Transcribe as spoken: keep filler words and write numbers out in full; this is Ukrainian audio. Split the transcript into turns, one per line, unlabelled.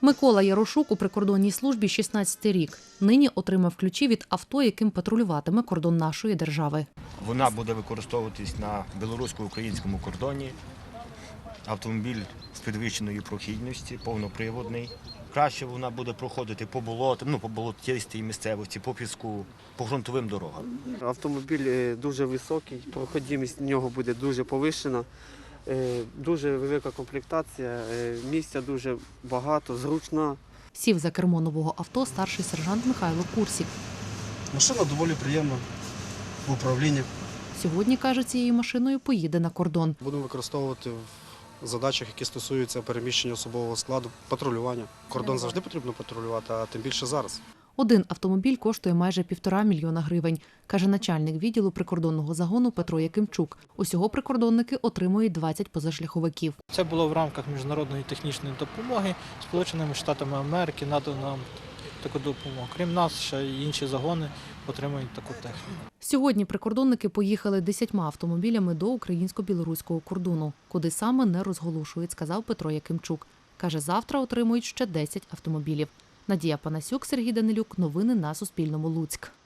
Микола Ярошук у прикордонній службі шістнадцятий рік. Нині отримав ключі від авто, яким патрулюватиме кордон нашої держави.
Вона буде використовуватись на білорусько-українському кордоні. Автомобіль з підвищеною прохідністю, повноприводний. Краще вона буде проходити по болотам, ну, по болотистій місцевості, по піску, по ґрунтовим дорогам.
Автомобіль дуже високий, проходимість в нього буде дуже повищена, дуже велика комплектація, місця дуже багато, зручна.
Сів за кермо нового авто старший сержант Михайло Курсік.
Машина доволі приємна в управлінні.
Сьогодні, каже, цією машиною поїде на кордон.
Будемо використовувати в задачах, які стосуються переміщення особового складу, патрулювання. Кордон завжди потрібно патрулювати, а тим більше зараз.
Один автомобіль коштує майже півтора мільйона гривень, каже начальник відділу прикордонного загону Петро Якимчук. Усього прикордонники отримують двадцять позашляховиків.
Це було в рамках міжнародної технічної допомоги Сполученими Штатами Америки, надано нам таку допомогу. Крім нас, ще й інші загони отримують таку техніку.
Сьогодні прикордонники поїхали десятьма автомобілями до українсько-білоруського кордону. Куди саме не розголошують, сказав Петро Якимчук. Каже, завтра отримують ще десять автомобілів. Надія Панасюк, Сергій Данилюк. Новини на Суспільному. Луцьк.